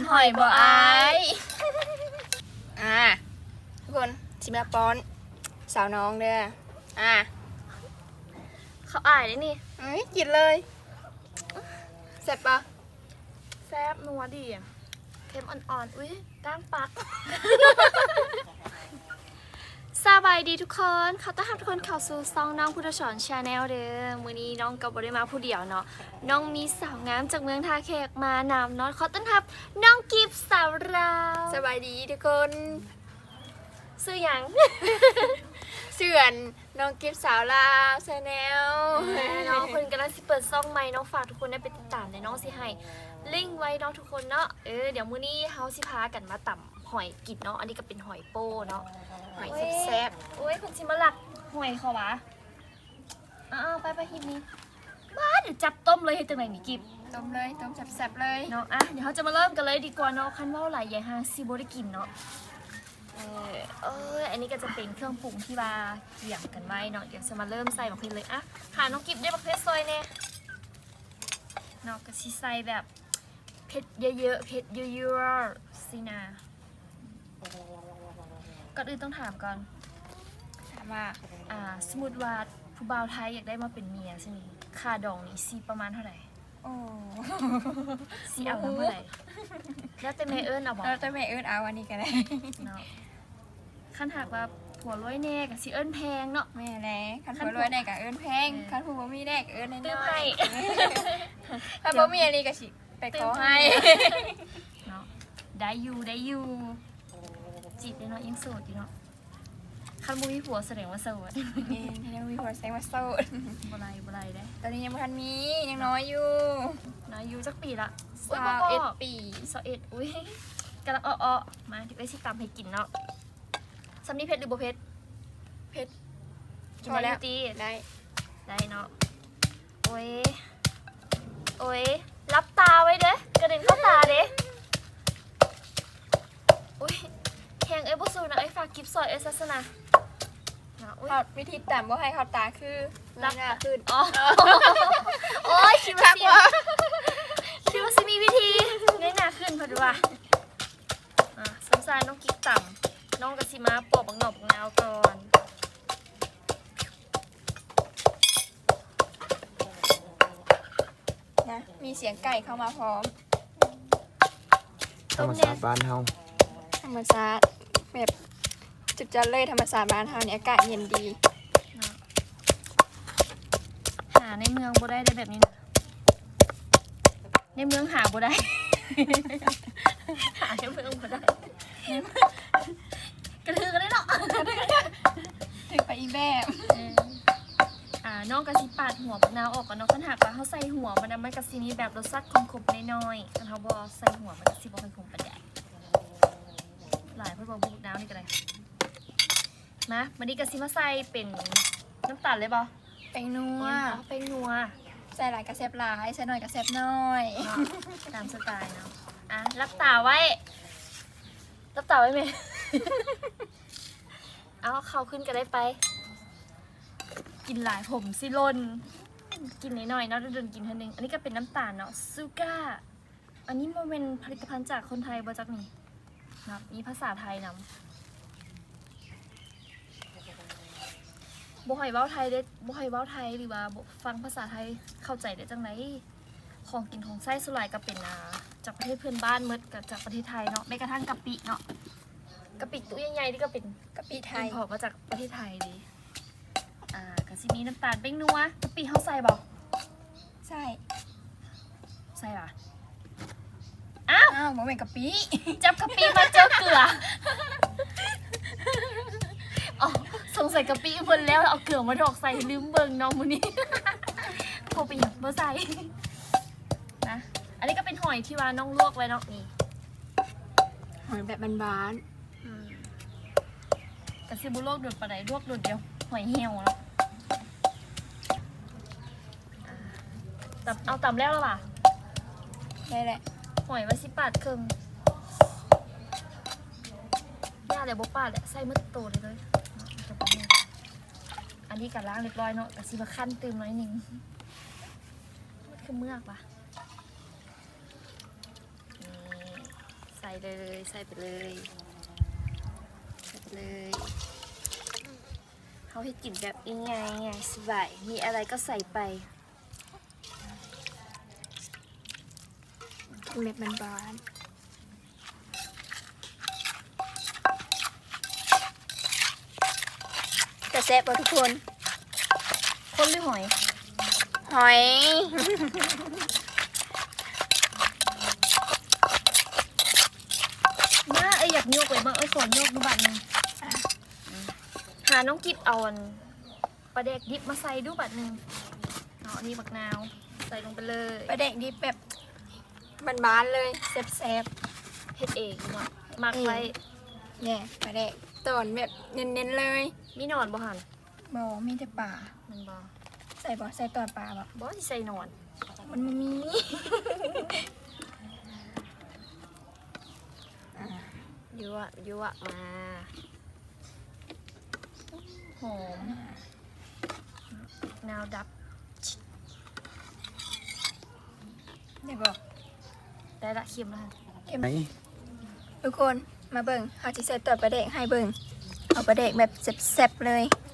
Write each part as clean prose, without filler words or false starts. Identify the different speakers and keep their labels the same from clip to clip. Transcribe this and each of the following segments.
Speaker 1: หอยบ่อายทุกคนชิมละป้อนสาวน้องเด้อ
Speaker 2: เขาอายได้นี่
Speaker 1: กินเลยแซ่บปะ
Speaker 2: แซ่บนัวดีเค็มอ่อนๆอุ้ยก้างปักสบายดีทุกคนเขาต้อนรับทุกคนเข้าสู่ซองน้องพุทธสอนชาแนลเด้อมื้อนี้น้องกับบริมาผู้เดียวเนาะน้องมีสาวงามจากเมืองท่าแขกมานำเนาะเขาต้อนรับน้องกิฟสาวราว
Speaker 1: สบายดีทุกคน
Speaker 2: ชื่อหยัง
Speaker 1: เสื่อนน้องกิฟสาวลาวชาแนล
Speaker 2: น้องคนกำลังสิเปิดซ่องใหม่น้องฝากทุกคนได้ไปติดตามเลยน้องสิให้ลิงก์ไว้เนาะทุกคนเนาะเดี๋ยวมื้อนี้เฮาสิพากันมาต่ำหอยกิดเนาะอันนี้ก็เป็นหอยโป้เนาะ
Speaker 1: หอยแซ่บ
Speaker 2: โอ้ยคนชิมาหลักหอยเขาวะไปหิบนี้บ้าเดี๋ยวจับต้มเลยให้จังไหนนี่กิบ
Speaker 1: ต้มเลยต้มแซ่บๆเลย
Speaker 2: เนาะเดี๋ยวเขาจะมาเริ่มกันเลยดีกว่าเนาะคันว่าหลายอย่างฮางซีโบได้กินเนาะอันนี้ก็จะเป็นเครื่องปรุงที่ว่าเกี่ยงกันไว้เนาะเดี๋ยวจะมาเริ่มใส่มะเขือเลยหาน้องกิบได้มะเขือซอยเนี่ยเนาะก็ชิใส่แบบเผ็ดเยอะๆเผ็ดเยอะๆสินะก่อนอื่นต้องถามก่อน
Speaker 1: ถามว่า
Speaker 2: สมมุติว่าผู้บ่าวไทยอยากได้มาเป็นเมียใช่ไหมค่าดองนี่ซีประมาณเท่าไหร่ซีเอาเท่าไหร่แล้วแต่แม่เอิญเอาบอก
Speaker 1: แล้วแต่แม่เอิญเอาวันนี้กันเลย
Speaker 2: เนาะขั้นหากว่าผัวรวยแน่กับซีเอิญแพงเนาะ
Speaker 1: แม่แน่ขั้นผัวรวยแน่กับเอิญแพงขั้นผัวมีแน่กับเอิญน้อยขั้นผัวมีอะไรกับสิไปขอให้
Speaker 2: เนาะได้อยู่จีบได้เนาะยังโสดอยู่เนาะคันบุมีผัวแสดงว่าโสด
Speaker 1: ยังมีผัวแสดงว่าโสด
Speaker 2: บ่ไรได้
Speaker 1: ตอนนี้ยังไม่ทันมียังน้อยอยู่
Speaker 2: จักปีละ
Speaker 1: 21 ปี
Speaker 2: 21อุ้ยกำลังมาเดี๋ยวไปสิตามให้กินเนาะซัมนี่เพชรหรือบ่เพชรกินได้ตีได้เนาะโอ้ยรับตาไว้เด้กระเด็นเข้าตาเด้อุ้ยแข่งบ่สู้นะฝากกิฟต์ซอยศาสนา
Speaker 1: เขาวิธีแต่ว่าให้เขาตาคือ
Speaker 2: รับ
Speaker 1: หน้าขึ้น
Speaker 2: โอ้ยคิดว่าสิมีวิธีเน้นหน้าขึ้นพอดีว่าสงสารน้องกิ๊กต่ำน้องกะสิมาปอกบังหนอกบังนาวก่อน
Speaker 1: นะมีเสียงไก่เข้ามาพร้อม
Speaker 3: ธรรมศาสตร์บ้านเฮา
Speaker 1: ธรรมศาสตร์แบบจุดจัดเลยธรรมศาสตร์บ้านเฮาเนี่ยอากาศเย็นดี
Speaker 2: หาในเมืองบ่ได้แบบนี้นะในเมืองหาบ่ได้หาในเมืองบ่ได้กระทือกันได้เนาะ
Speaker 1: ถึงไปอีแบบ
Speaker 2: น้องกะสิปาดหัวบักนาวออกก่อนเนาะคันหากว่าเขาใส่หัวมันกะสิมีแบบรสชาติขมๆน้อยๆคันเขาบ่ใส่หัวมันกะสิบ่ค่อยขมปานใดหลายเพื่อบ่บุกน้ำนี่ก็ได้นะวันนี้กะสิมาใส่เป็นน้ำตาลเลยบ่
Speaker 1: แป้งนัวใส่หลายกระเซบหลายใส่หน่อยกระเซบน้อย
Speaker 2: ตามสไตล์เนาะรับตาไว้ไหม เอาเขาขึ้นก็ได้ไปกินหลายผมสิลนกินน้อยๆเนาะเดินกินเท่านึงอันนี้ก็เป็นน้ำตาลเนาะซูก้าอันนี้มันเป็นผลิตภัณฑ์จากคนไทยบ่จักนี่นะมีภาษาไทยนำบ่ให้เว้าไทยได้บ่ให้เว้าไทยหรือว่าฟังภาษาไทยเข้าใจได้จังไหนของกินของไส้สุรายก็เป็นจากประเทศเพื่อนบ้านหมดกับจากประเทศไทยเนาะแม้กระทั่งกะปิเนาะกะปิตัวใหญ่ๆนี่ก็เป็น
Speaker 1: กะปิไทย
Speaker 2: พอมาจากประเทศไทยดิกะสิมีน้ำตาลเป้งนัวกะปิเขาใส่บ่
Speaker 1: ใส่
Speaker 2: ป่ะ
Speaker 1: อ้าวบ่แม่นกะปิ
Speaker 2: จับกะปิมาเจอเกลือสงสัยกะปิเพิ่นแล้วเอาเกลือมาดอกใส่ลืมเบิ่งน้องมื้อนี้พอไปหยังบ่ใส่นะอันนี้ก็เป็นหอยที่ว่าน้องลวกไว้เนาะนี่
Speaker 1: หอยแบบบาน
Speaker 2: กะสิบ่ลวกโดดปานใดลวกโดดเดียวหอยเหี่ยวเนาะเอาตำแล้วป่ะ
Speaker 1: ได้แหละ
Speaker 2: หอยไว้สิปาดครึ่งย่าเลยบ่ปาดแหละใส่มืดโตเลยอันนี้กัดล้างเรียบร้อยเนาะกะสิมาขั้นเติมหน่อยนึงมันคือเมือกป่ะเลยใส่ไปเลยใส่ไปเลยเขาให้กินแบบง่ายๆสบายมีอะไรก็ใส่ไป
Speaker 1: เม็ดมันบานแต่แซ่บป่ะทุกคน
Speaker 2: คนหรือหอย
Speaker 1: หอย
Speaker 2: น่าอยากโยกเลยบ้างขอโยกดูบัตรนึงหาน้องกิบเอาอันปลาแดกดิบมาใส่ดูบัตรนึงเอาอันนี้บักนาวใส่ลงไปเลย
Speaker 1: ปลาแดกดิบแบบบานๆเลยแซ่บ
Speaker 2: เฮ็ดเองเนาะมักไว้
Speaker 1: ๆเนี่ยปลาแดกตอนแบบเน้นๆเลย
Speaker 2: มีหนอนบ่หัน
Speaker 1: บ่มีแต่ป่า
Speaker 2: มันบ่
Speaker 1: ใส่บ่ใส่ตอนป่าบ่
Speaker 2: บ่สิใส่หนอน
Speaker 1: มันไม่มี
Speaker 2: ยั่วมาหอมนาวดับ
Speaker 1: ได้บ่
Speaker 2: ได้ละเค็มแล้ว
Speaker 3: ไหน
Speaker 1: ทุกคนมาเบิ่งเขาจะใส่ตอนปลาแดกให้เบิ่งเอาปลาแดกแบบแซ่บๆเลย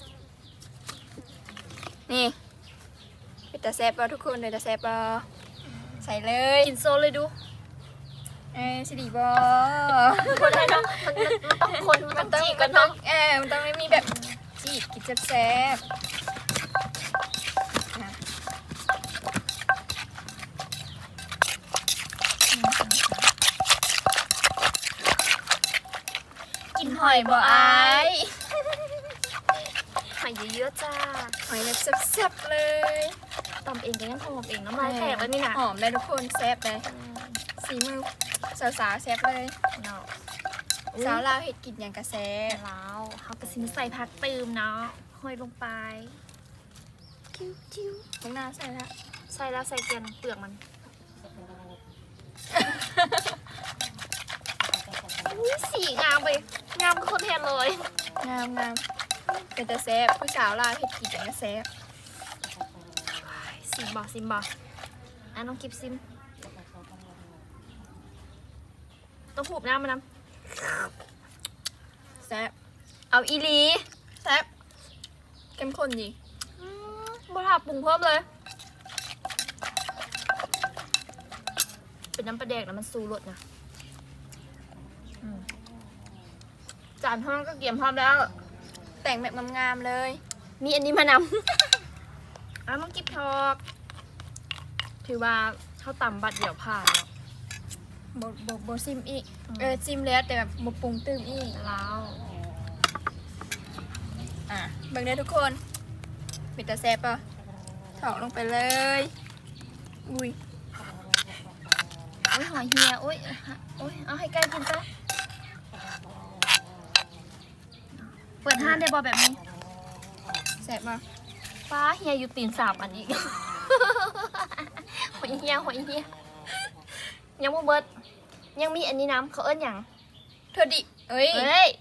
Speaker 1: นี่เป็นตาแซ่บบ่ทุกคนเลยตาแซ่บบ่ใส่เลย
Speaker 2: กินโซเลยดู
Speaker 1: สิดีบ่
Speaker 2: คนอะไรเนาะมันต้องคนมันต้องจีบกันเนาะ
Speaker 1: มันต้องไม่มีแบบจีบกินแซ่บๆนะ
Speaker 2: กินห
Speaker 1: ห
Speaker 2: อ
Speaker 1: อย ย
Speaker 2: บ่
Speaker 1: บ่
Speaker 2: อา
Speaker 1: อาย ย
Speaker 2: หอยเยอะๆจ้า
Speaker 1: หอยแบบแซ่บๆเลย
Speaker 2: ตำเองก็ยังหอมเองน้ำลายแตกแล้วนี่นะ
Speaker 1: หอมเลยทุกคนแซ่บเลยสีมือสาวๆแซ่บเลย
Speaker 2: เนาะ
Speaker 1: สาวลาวเห็ดกินอย่างกระแซ่บ
Speaker 2: แล้วเขาก็สิมาใส่ผักตืมเนาะห้อยลงไปจิ้ว
Speaker 1: ข้างหน้าใส่ละ
Speaker 2: ใส่แล้วใส่เกลือเปลือกมันอุ๊ยสีงามไปงามกับคนแทนเลย
Speaker 1: งามเป็นแต่แซ่บผู้สาวลาวเห็ดกินอย่างกระแซ่บ
Speaker 2: ซิมบออ่ะน้องกิบซิมต้องผูบหน้ามันนะ
Speaker 1: แซ่บ
Speaker 2: เอาอีหลี
Speaker 1: แซ่บเข้มข้นดี
Speaker 2: บ่ทาปรุงเพิ่มเลย เป็นน้ำปลาแดกแล้วมันสูรสนะจานห้องก็เกี่ยมพร้อมแล้ว
Speaker 1: แต่งแบบงามๆเลย
Speaker 2: มีอันนี้มานำ น้องกิบทอกถือว่าเขาต่ำบัตรเดี่ยวผ่านแล้ว
Speaker 1: โบซิมอีกซิมแล้วแต่แบบโบปรุงตื้มอีก
Speaker 2: แล้ว
Speaker 1: เบิ่งได้ทุกคนเป็นแต่แซ่บป่ะถอกลงไปเลยอุ้ย
Speaker 2: โอ้ยหอยเฮียโอ้ยเอาให้ใกล้กินซะเปิดห้านได้บอแบบนี้
Speaker 1: แซ่บป่ะ
Speaker 2: ป้าเฮียอยู่ตีนสามอันนี้ หอยเฮียยังบ่เบิดยังมีอันนี้น้ำเขาเอิ้นหยัง
Speaker 1: เธอดิเอ้ย
Speaker 2: เฮ้ย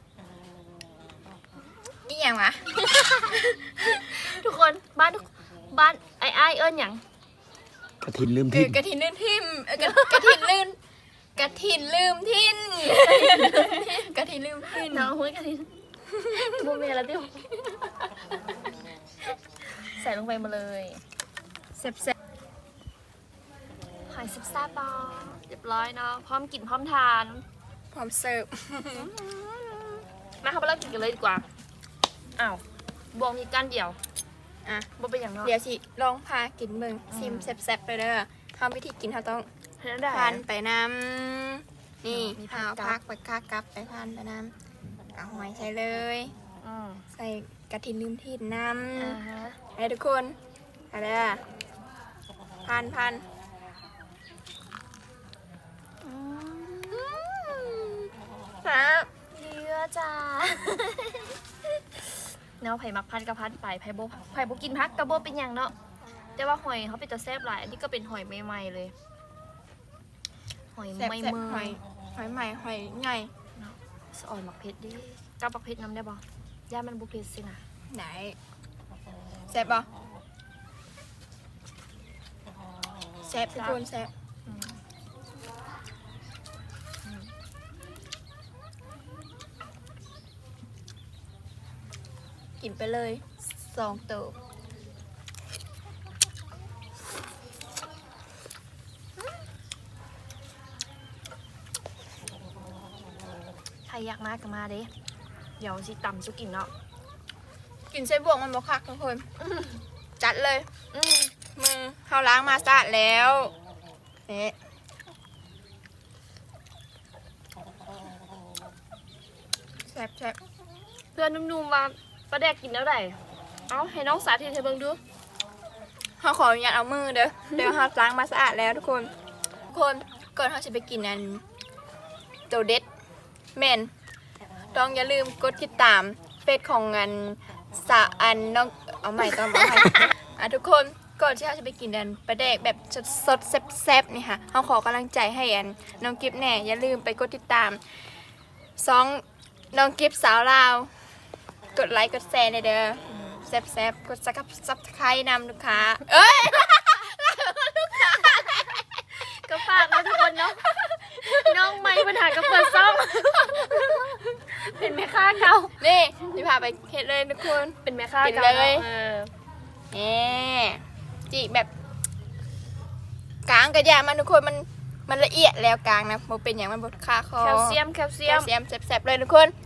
Speaker 1: นี่อย่างวะ
Speaker 2: ทุกคนบ้านไอ้เอิ้นหยัง
Speaker 3: กระถินลืมทิศ
Speaker 1: กระถินลืมทิมกระถินลืมกระถินลืมทินกระถินลืมทิน
Speaker 2: น้องหุ้ยกันทีโมเมแล้วที่ใส่ลงไปมาเลย
Speaker 1: แซ่บ
Speaker 2: หอยซิบซ่าบอเรียบร้อยเนาะพร้อมกินพร้อมทาน
Speaker 1: ๆพร้อมเสิร์ฟ
Speaker 2: มาเขาไปเริ่มกินกันเลยดีกว่าอ้าวบวงมีก้านเดียว
Speaker 1: อ่ะ
Speaker 2: บวงเป็นอย่างเนาะ
Speaker 1: เดี๋ยวสิลองพากินเบิ่งซิมแซ่บๆไปเด้อทำวิธีกินเขาต้อง
Speaker 2: เห็นได้
Speaker 1: ทานไปน้ำนี่
Speaker 2: มี
Speaker 1: ข้าว
Speaker 2: ผั
Speaker 1: พั
Speaker 2: ก
Speaker 1: กไปค่ากลับไปทานไปน้ำเอาหอยใส่เลย
Speaker 2: อืม
Speaker 1: ใส่กระถินลืมทินน้
Speaker 2: อ่าฮะ
Speaker 1: ำให้ทุกคนอะไรอ่ะพัน ครับ
Speaker 2: เยอะจ้าเนาะไผ่มักพันกับพันไปไผ่โบกินพักกับโบเป็นอย่างเนาะแต่ว่าหอยเขาเป็นจะแซ่บหลายอันนี้ก็เป็นหอยใหม่ๆเลย หอย
Speaker 1: แซ่บ
Speaker 2: ไม่
Speaker 1: แซ่บ
Speaker 2: เมือ
Speaker 1: หอยหอยใหม่หอยใหญ่
Speaker 2: สะอ่อนมักเพชรดิกับมักเพชรน้ำได้บ่ย่ามันบุเพชรสินะ
Speaker 1: ไหนแซ่บปะแซ่บทุกคนแซ่บ
Speaker 2: อืม
Speaker 1: กินไปเลย2ตัว
Speaker 2: ใครอยากมาก็มาเด้เดี๋ยวสิตำสุกินเนาะ
Speaker 1: กินไส้บวกมันบ่คักทุกคนจัดเลยมือเขาล้างมาสะอาดแล้วนี่แซ่บ
Speaker 2: เพื่อนนุ่มๆว่าปลาแดกกินแล้วได้เอาให้น้องสาธิตให้เบิ่งดู
Speaker 1: เขาขออนุญาตเอามือเด้อเดี๋ยวเขาล้างมาสะอาดแล้วทุกคนก่อนเขาจะไปกินอันตัวเด็ดแม่นต้องอย่าลืมกดติดตามเฟซของอันน้องเอาใหม่ต้องเอาใหม่ทุกคนก่อนที่เราจะไปกินอันปลาแดกแบบสดๆแซ่บๆนี่ค่ะเขาขอกำลังใจให้อันน้องกิฟแน่อย่าลืมไปกดติดตามน้องกิฟสาวลาวกดไลค์กดแชร์ในเด้อแซ่บๆกดซับสไครต์นำลูกค้าเอ้ย
Speaker 2: ก็ฝากนะทุกคนเนาะน้องไม่ปัญหากับเปิดซ่องเป็นแม่ค้าเก่า
Speaker 1: นี่พี่พาไปเฮ็ดเลยทุกคน
Speaker 2: เป็นแม่ค้า
Speaker 1: กิน
Speaker 2: เก่า
Speaker 1: เลย จีแบบกลางกระยามันทุกคนมันละเอียดแล้วกลางนะโมเป็นอย่างมันบดคาคอ
Speaker 2: แคลเซียม
Speaker 1: แซ่บๆเลยทุกคน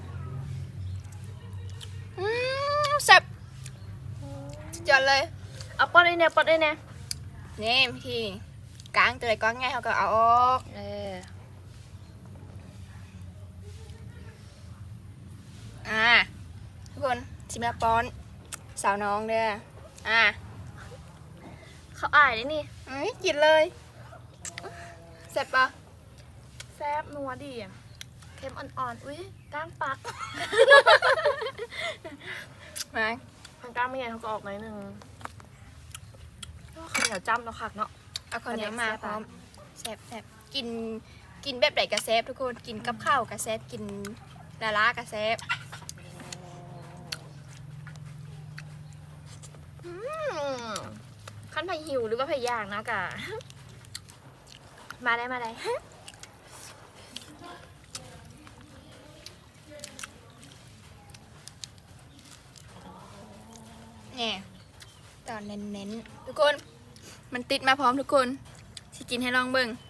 Speaker 1: แซ่บสุดยอดเลย
Speaker 2: เอาปอดได้แน่ปอดได้แน่
Speaker 1: นี่พี่กลางตัวไหนก้อนง่ายเขาก็เอาออกทุกคนชิมละป้อนสาวน้องเด้อ
Speaker 2: เขาอายได้นี่
Speaker 1: กินเลยแซ่บปะ
Speaker 2: แซ่บนัวดีอะเค็มอ่อนๆอุ้ยก้างปัก
Speaker 1: มา
Speaker 2: ทางก้างไม่ไงเขาก็ออกหน่อยนึงข้าวเหนียวจ้ำเนาะคักเนาะ
Speaker 1: เอาข้าวเหนียวมาพร้อมแซ่บกินแบบไหนกระแซบทุกคนกินกับข้าวกระแซบกินลากระแซบ
Speaker 2: ขั้นไผ่หิวหรือว่าไผ่ย่างเนาะกะ มาได้
Speaker 1: เนี่ยตอนเน้นๆทุกคนมันติดมาพร้อมทุกคนที่กินให้ลองเบิ่ง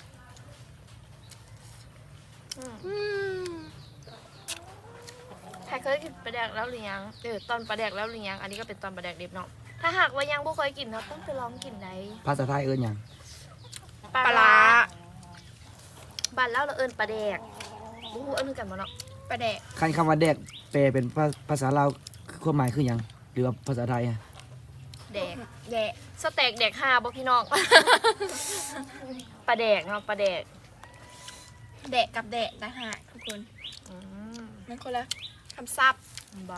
Speaker 2: ใครเคยกินปลาแดกแล้วหรือยังตอนปลาแดกแล้วหรือยังอันนี้ก็เป็นตอนปลาแดกเด็บเนาะถ้าหากว่ายังบ่เคยกินเนาะต้องไปลองกินได้
Speaker 3: ภาษาไทยเอิ้นหยัง
Speaker 1: ปลาร้า
Speaker 2: บ้านเล่าเราเอิ้นปลาแดกบ่ฮู้เอิ้นกันบ่เนาะ
Speaker 1: ปลาแดก
Speaker 3: คันคำว่าแดกแปลเป็นภาษาลาวความหมายคือหยังหรือว่าภาษาไทยอะ
Speaker 2: แดก
Speaker 1: แดก
Speaker 2: สเต็กแดก5บ่พี่น้อง ปลาแดกเนาะปลาแดก
Speaker 1: แดกกับแดกนะฮะทุกคน
Speaker 2: อืม
Speaker 1: มันคนละคำศัพท์
Speaker 2: บ้า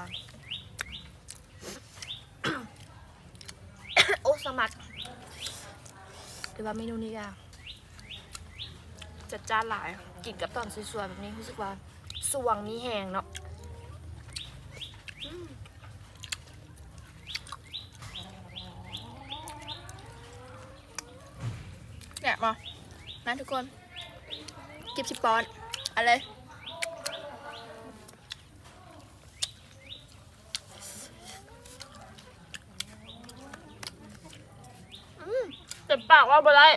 Speaker 2: โอ้สมัครหรือว่าเมนูนี้ก็จัดจ้านหลายกินกับตอนสวยๆแบบนี้รู้สึกว่าสว่างมีแหงเนาะ
Speaker 1: เนี่ยมาทุกคนกิบชิปปอนเอาเลย
Speaker 2: เต็มปากว่าบ่ได้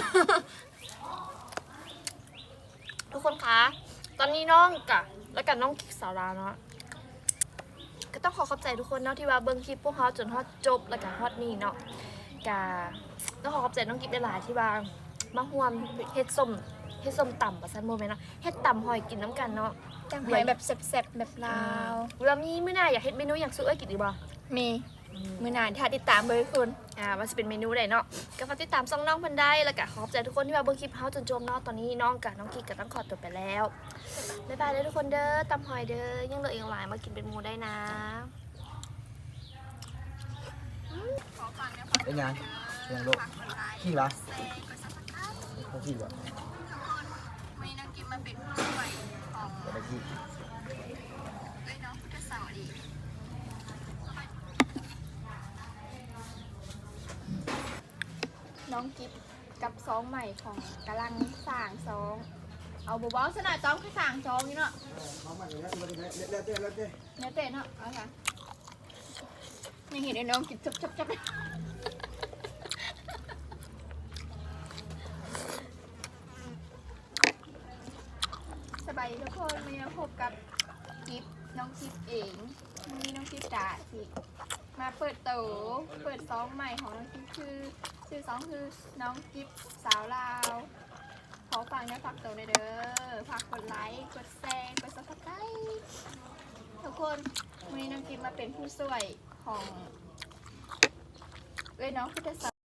Speaker 2: ทุกคนคะตอนนี้น้องกะแล้วกันน้องสาวลาวเนาะก็ต้องขอขอบใจทุกคนเนาะที่ว่าเบิ่งคลิปพวกเขาจนฮอดจบแล้วก็ฮอดนี่เนาะกะต้องขอขอบใจน้องกิ๊บหลายๆที่ว่ามาห่วมเฮ็ดส้มต่ำประสันโมเมนต์เนาะเฮ็ดต่ำหอยกินน้ำกันเนาะ
Speaker 1: จังหอยแบบแซ่บๆแบบลาว
Speaker 2: เรามีมื้อหน้าอยากเฮ็ดเมนูอย่างสู้เอ้ยกินดีบ่
Speaker 1: มีมือนานถ้าติดตามเลยคุณ
Speaker 2: ว่าจะเป็นเมนูใดเนาะก็ฝากติดตามช่องน้องเพิ่นได้แล้วก็ขอบใจทุกคนที่มาเบิ่งคลิปเฮาจนจบเนาะตอนนี้น้องกับน้องกิ๊กก็ต้องขอตัวไปแล้วบ๊ายบายเลยทุกคนเด้อตำหอยเด้อยังเหลืออีกหลายมากินเป็นหมูได้นะ
Speaker 3: เป็นหยังโลกขี้ละขี้วะ
Speaker 1: มีน้องกินมาเป็นผู้ช่วยของ
Speaker 3: อะไรขี้
Speaker 1: น้องพุทธสาวดีน้องกิฟกับซองใหม่ของกำลังสร้างซองเอาบอสนะจ้องคือสร้างซองนี่เนาะ
Speaker 3: เขามาแล้วเต้
Speaker 1: เนื้อเตะเนาะเอาค่ะยังเห็นไอ้น้องกินจับสบายดีทุกคนมาพบกับกิฟน้องกิฟเองมีน้องกิฟจ๋าสิมาเปิดโตเปิดซองใหม่ของน้องกิฟคือชื่อซองคือน้องกิฟสาวลาวขอฝากฝากโตในเด้อฝากกดไลค์กดแชร์กดซับสไครต์ทุกคนวันนี้น้องกิฟมาเป็นผู้ช่วยของน้องพุทธศาส